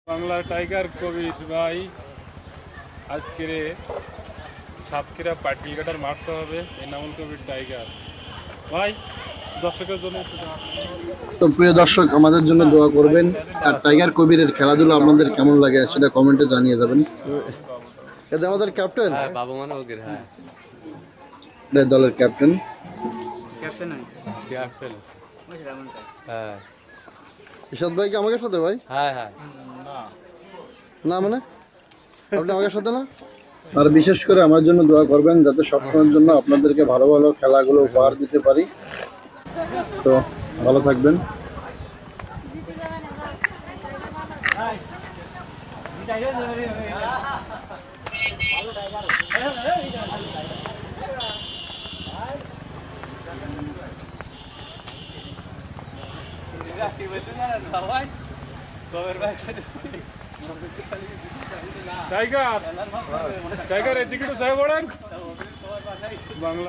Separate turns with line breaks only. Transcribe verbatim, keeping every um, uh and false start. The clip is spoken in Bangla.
বাংলা টাইগার কবির ভাই আজকে সাতক্ষীরা পাটকিল কাটার মারতে হবে এনামুল কবির টাইগার ভাই দর্শকের জন্য।
তো প্রিয় দর্শক, আমাদের জন্য দোয়া করবেন। আর টাইগার কবিরের খেলাধুলা আপনাদের কেমন লাগে সেটা কমেন্টে জানিয়ে যাবেন। এটা আমাদের ক্যাপ্টেন,
হ্যাঁ বাবু মানে ওকে হ্যাঁ
এটা দলের ক্যাপ্টেন।
ক্যাপ্টেন হ্যাঁ
ইশাদ ভাই কি আমাকে সাথে ভাই?
হ্যাঁ হ্যাঁ
না মানে আপনি আমাকে সাথে না। আর বিশেষ করে আমার জন্য দোয়া করবেন যাতে সবসময়ের জন্য আপনাদেরকে ভালো ভালো খেলাগুলো উপহার দিতে পারি। তো ভালো থাকবেন।
টাইগার টাইগার এদিকে তো সাহেব বাংলা